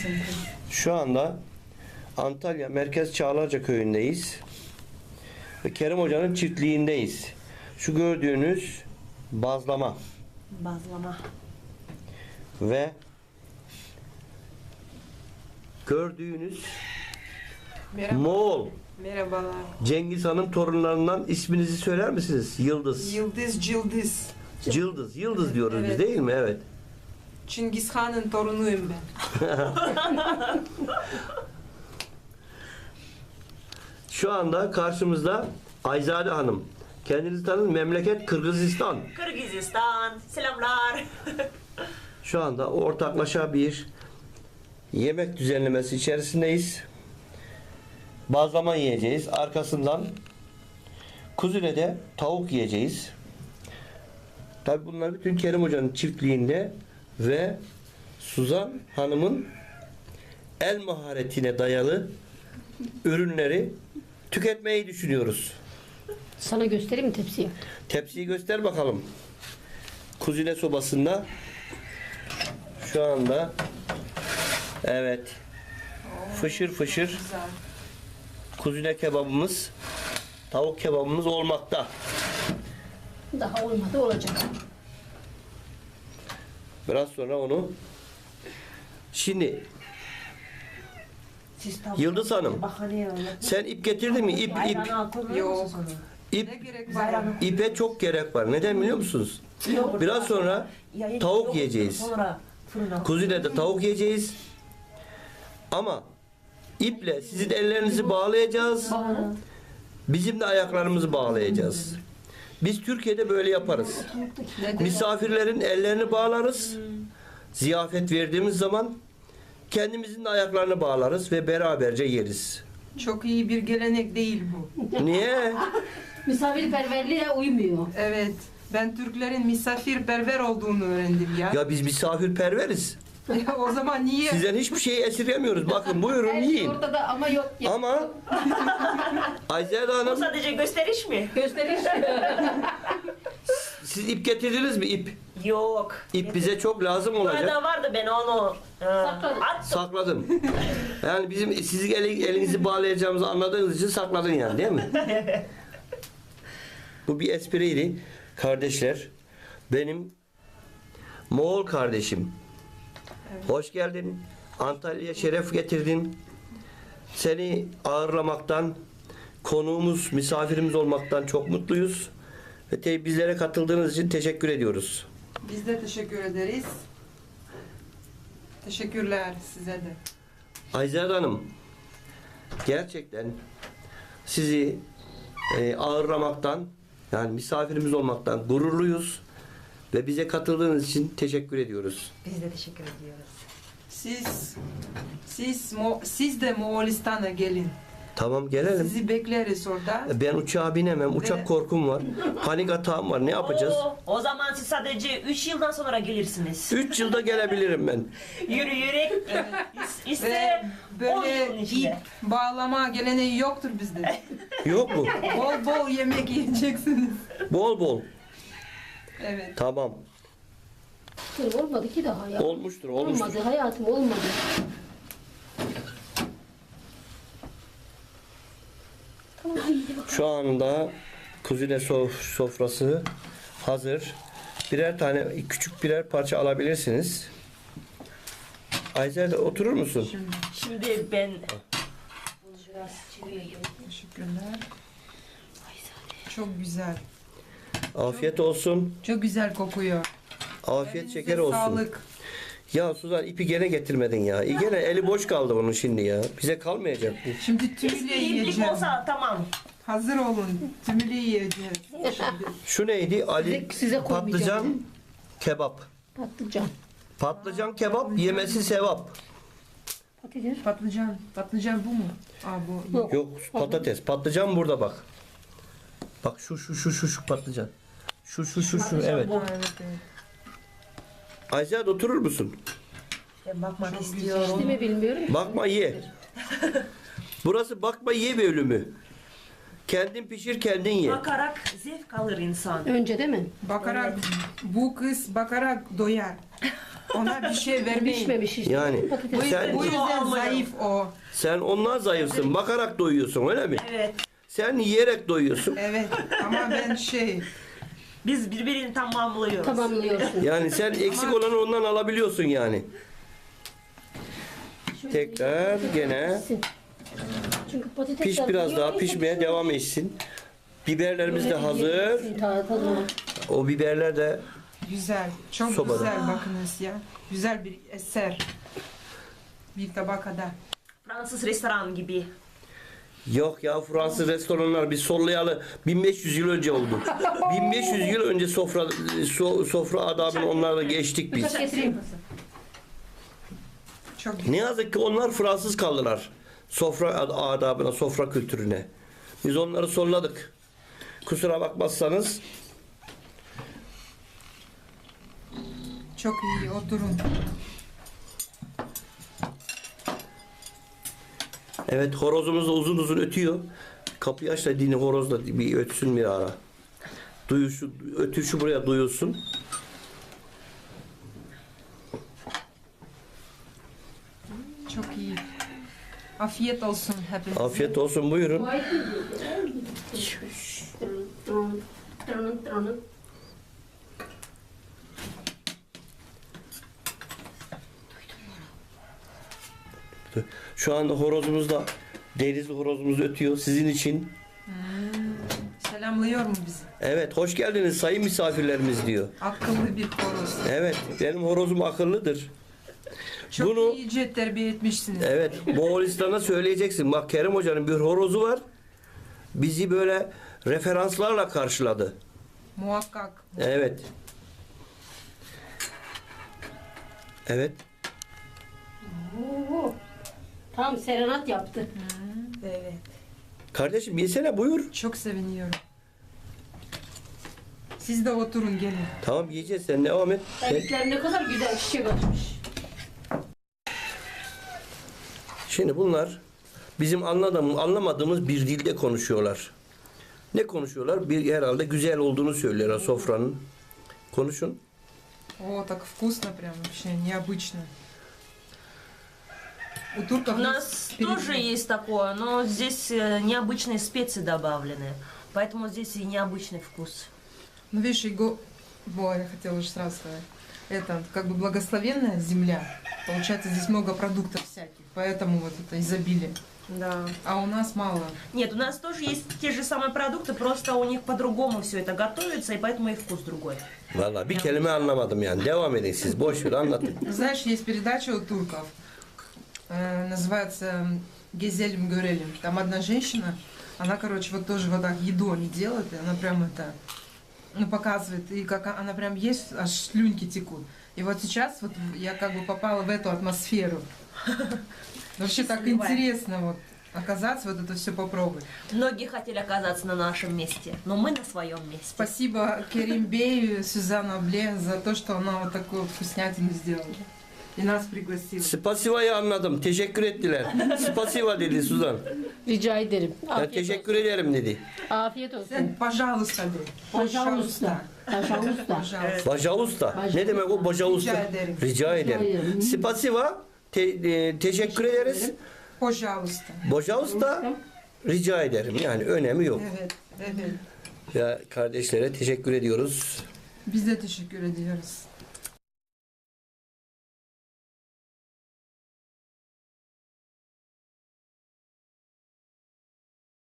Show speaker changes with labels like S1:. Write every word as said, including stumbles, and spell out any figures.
S1: Şu anda Antalya Merkez Çağlarca Köyü'ndeyiz. Ve Kerim Hoca'nın çiftliğindeyiz. Şu gördüğünüz bazlama
S2: Bazlama.
S1: ve gördüğünüz
S3: Merhaba.
S1: Moğol
S3: Merhabalar.
S1: Cengiz Han'ın torunlarından isminizi söyler misiniz? Yıldız.
S3: Yıldız Cıldız.
S1: Yıldız. Yıldız diyoruz
S3: Evet.
S1: biz değil mi? Evet.
S3: Çingiz Han'ın torunuyum ben.
S1: Şu anda karşımızda Ayzade Hanım. Kendinizi tanın. Memleket Kırgızistan.
S2: Kırgızistan. Selamlar.
S1: Şu anda ortaklaşa bir yemek düzenlemesi içerisindeyiz. Bazlama yiyeceğiz. Arkasından kuzine tavuk yiyeceğiz. Tabi bunlar bütün Kerim Hoca'nın çiftliğinde ve Suzan Hanım'ın el maharetine dayalı ürünleri tüketmeyi düşünüyoruz.
S4: Sana göstereyim mi tepsiyi?
S1: Tepsiyi göster bakalım. Kuzine sobasında şu anda evet fışır fışır
S3: Güzel.
S1: kuzine kebabımız, tavuk kebabımız olmakta.
S4: Daha olmadı, olacak.
S1: Biraz sonra onu şimdi Yıldız Hanım, sen ip getirdin mi? İp, ip,
S3: Yok. Ne
S1: ip,
S3: gerek var?
S1: ipe çok gerek var. Neden biliyor musunuz? Biraz sonra tavuk yiyeceğiz. Kuzine de tavuk yiyeceğiz. Ama iple sizin ellerinizi bağlayacağız. Bizim de ayaklarımızı bağlayacağız. Biz Türkiye'de böyle yaparız.
S3: Neden?
S1: Misafirlerin ellerini bağlarız. Ziyafet verdiğimiz zaman kendimizin de ayaklarını bağlarız ve beraberce yeriz.
S3: Çok iyi bir gelenek değil bu.
S1: Niye?
S4: Misafirperverliğe uymuyor.
S3: Evet. Ben Türklerin misafirperver olduğunu öğrendim ya.
S1: Ya biz misafirperveriz.
S3: Ya o zaman niye?
S1: Sizden hiçbir şeyi esirgemiyoruz. Bakın buyurun
S4: Her şey
S1: yiyin.
S4: ortada ama yok. Ya.
S1: Ama Ayzade
S2: Bu
S1: Hanım,
S2: sadece gösteriş mi?
S4: Gösteriş.
S1: siz ip getirdiniz mi ip?
S2: Yok.
S1: İp bize çok lazım olacak.
S2: Burada vardı, ben onu e,
S4: Sakladım.
S2: attım.
S1: Sakladım. Yani bizim sizin eli- elinizi bağlayacağımızı anladığınız için sakladın yani değil mi? Bu bir espriydi. Kardeşler, benim Moğol kardeşim. Hoş geldin. Antalya'ya şeref getirdin. Seni ağırlamaktan, konuğumuz, misafirimiz olmaktan çok mutluyuz. Ve te- bizlere katıldığınız için teşekkür ediyoruz.
S3: Biz de teşekkür ederiz. Teşekkürler size de.
S1: Ayzade Hanım, gerçekten sizi e, ağırlamaktan, yani misafirimiz olmaktan gururluyuz ve bize katıldığınız için teşekkür ediyoruz.
S2: Biz de teşekkür ediyoruz.
S3: Siz siz Mo- siz de Moğolistan'a gelin.
S1: Tamam gelelim.
S3: Sizi bekleriz orada.
S1: Ben uçağa binemem. Uçak
S3: Ve-
S1: korkum var. Panik atağım var. Ne yapacağız?
S2: Oo, o zaman siz sadece üç yıldan sonra gelirsiniz.
S1: Üç yılda gelebilirim ben.
S2: Yürüyerek is-
S3: Ve
S2: ise on
S3: böyle
S2: yılın
S3: ip
S2: içinde.
S3: bağlama geleneği yoktur bizde.
S1: Yok mu?
S3: Bol bol yemek yiyeceksiniz.
S1: Bol bol.
S3: Evet.
S1: Tamam.
S4: Olmadı ki daha ya.
S1: Olmuştur, olmuştur.
S4: Olmadı hayatım, olmadı. Tamam, hadi bakalım.
S1: Şu anda kuzine sof- sofrası hazır. Birer tane, küçük birer parça alabilirsiniz. Ayzer oturur musun?
S2: Şimdi ben bunu biraz çevireyim.
S3: Teşekkürler. Çok güzel.
S1: Afiyet olsun.
S3: Çok güzel kokuyor.
S1: Afiyet
S3: Elinize
S1: şeker olsun.
S3: Sağlık.
S1: Ya Suzan ipi gene getirmedin ya. E, Gene eli boş kaldı bunun şimdi ya. Bize kalmayacak bu.
S3: Şimdi tümüyle
S2: İyilik
S3: yiyeceğim.
S2: olsa tamam.
S3: Hazır olun. Tümüyle yiyeceğiz. Şimdi.
S1: Şu neydi? Ali
S4: Size- size koymayacağım.
S1: patlıcan kebap.
S4: Patlıcan.
S1: Patlıcan kebap yemesi sevap.
S4: Patates.
S3: Patlıcan. Patlıcan bu mu? Aa bu.
S4: Yok.
S1: Yok patates. Patlıcan burada bak. Bak şu şu şu şu şu patlıcan. Şu şu şu şu evet.
S3: Ha, evet, evet.
S1: Ayşe oturur musun?
S2: Ben bakmak
S4: Değil
S2: istiyorum.
S4: mi bilmiyorum.
S1: Bakma ye. Burası bakma ye bölümü. Kendin pişir kendin ye.
S2: Bakarak zevk alır insan.
S4: Önce değil mi?
S3: Bakarak bu kız bakarak doyar. Ona bir şey vermeyin.
S4: Pişmemiş işte.
S1: Yani
S4: Patates.
S3: Bu,
S1: sen
S3: bu yüzden zayıf o.
S1: sen ondan zayıfsın. Bakarak doyuyorsun öyle mi?
S2: Evet.
S1: Sen yiyerek doyuyorsun.
S3: Evet ama ben şey
S2: Biz birbirini tamamlıyoruz.
S4: Tamamlıyorsun.
S1: Yani sen eksik olanı ondan alabiliyorsun yani. Tekrar gene
S4: Çünkü patatesler
S1: piş biraz daha
S4: yiyor,
S1: pişmeye
S4: insan
S1: devam etsin. Biberlerimiz de
S4: böyle
S1: hazır.
S4: yiyeceksin, ta- tadına.
S1: O biberler de
S3: güzel. Çok
S1: Sobada.
S3: güzel bakınız ya. Güzel bir eser. Bir tabakada.
S2: Fransız restoran gibi.
S1: yok ya, Fransız restoranlar biz sollayalı bin beş yüz yıl önce oldu. bin beş yüz yıl önce sofra so- sofra adabını onlarla geçtik biz.
S4: Bıçak getireyim.
S3: Çok
S1: Ne
S3: güzel.
S1: yazık ki onlar Fransız kaldılar. Sofra ad- adabına, sofra kültürüne. Biz onları solladık. Kusura bakmazsanız.
S3: Çok iyi oturun.
S1: Evet, horozumuz da uzun uzun ötüyor. Kapıyı aç da dini horoz da bir ötsün bir ara. Duyuşu, ötüşü buraya duyulsun.
S3: Çok iyi. Afiyet olsun hepinize.
S1: Afiyet olsun, buyurun. Şu anda horozumuz da, denizli horozumuz ötüyor sizin için.
S3: Selamlıyor mu bizi?
S1: Evet, hoş geldiniz sayın misafirlerimiz diyor.
S3: Akıllı bir horoz.
S1: Evet, benim horozum akıllıdır.
S3: Çok
S1: Bunu-
S3: iyice terbiye etmişsiniz.
S1: Evet, Moğolistan'a söyleyeceksin. Bak, Kerim Hoca'nın bir horozu var. Bizi böyle referanslarla karşıladı.
S3: Muhakkak.
S1: Evet. Evet.
S4: Oo. Tam serenat yaptı.
S3: Evet.
S1: Kardeşim yesene, buyur.
S3: Çok seviniyorum. Siz de oturun gelin.
S1: Tamam, yiyeceğiz, sen devam et. Sen-
S4: Erkekler ne kadar güzel çiçek açmış.
S1: Şimdi bunlar bizim anladığımız, anlamadığımız bir dilde konuşuyorlar. Ne konuşuyorlar? Bir herhalde güzel olduğunu söylüyorlar sofranın. Konuşun.
S3: О, так вкусно прям вообще, необычно. У турков
S2: У
S3: есть
S2: нас
S3: перед-
S2: тоже есть такое, но здесь э, необычные специи добавлены. Поэтому здесь и необычный вкус.
S3: Ну, видишь, его... Во, я хотела уже сразу сказать. Это как бы благословенная земля. Получается, здесь много продуктов всяких, поэтому вот это изобилие.
S2: Да.
S3: А у нас мало.
S2: Нет, у нас тоже есть те же самые продукты, просто у них по-другому все это готовится, и поэтому и вкус другой.
S1: Vallahi bir kelime anlamadım yani. Devam edin siz. Boş ver, anlatın.
S3: Знаешь, есть передача у турков, э, называется «Гезелем Гөрелем». Там одна женщина, она, короче, вот тоже вот так еду они делают, и она прям это, ну, показывает, и как она прям есть, аж слюнки текут. И вот сейчас вот я как бы попала в эту атмосферу. Вообще так
S2: Сливай.
S3: интересно вот оказаться, вот это все попробовать.
S2: Многие хотели оказаться на нашем месте, но мы на своем месте.
S3: Спасибо Керимбею, Сюзанна Бле за то, что она вот такую вкуснятину сделала. И нас пригласила.
S1: Spasiva'yı anladım. Teşekkür ettiler. Spasiva dedi Suzan.
S4: Rica ederim.
S1: Ya
S4: Afiyet
S1: teşekkür ederim dedi.
S4: olsun. Afiyet olsun.
S3: Sen пожалуйста de.
S4: Пожалуйста. Пожалуйста.
S3: Пожалуйста.
S1: Bajausta. Ne demek o bajausta?
S3: Rica ederim.
S1: Rica ederim.
S4: ederim.
S1: Spasiva. Te, e, teşekkür ederiz.
S3: Пожалуйста.
S1: Bajausta. Rica ederim. Yani önemi yok.
S3: Evet, evet.
S1: Ya kardeşlere teşekkür ediyoruz.
S3: Biz de teşekkür ediyoruz.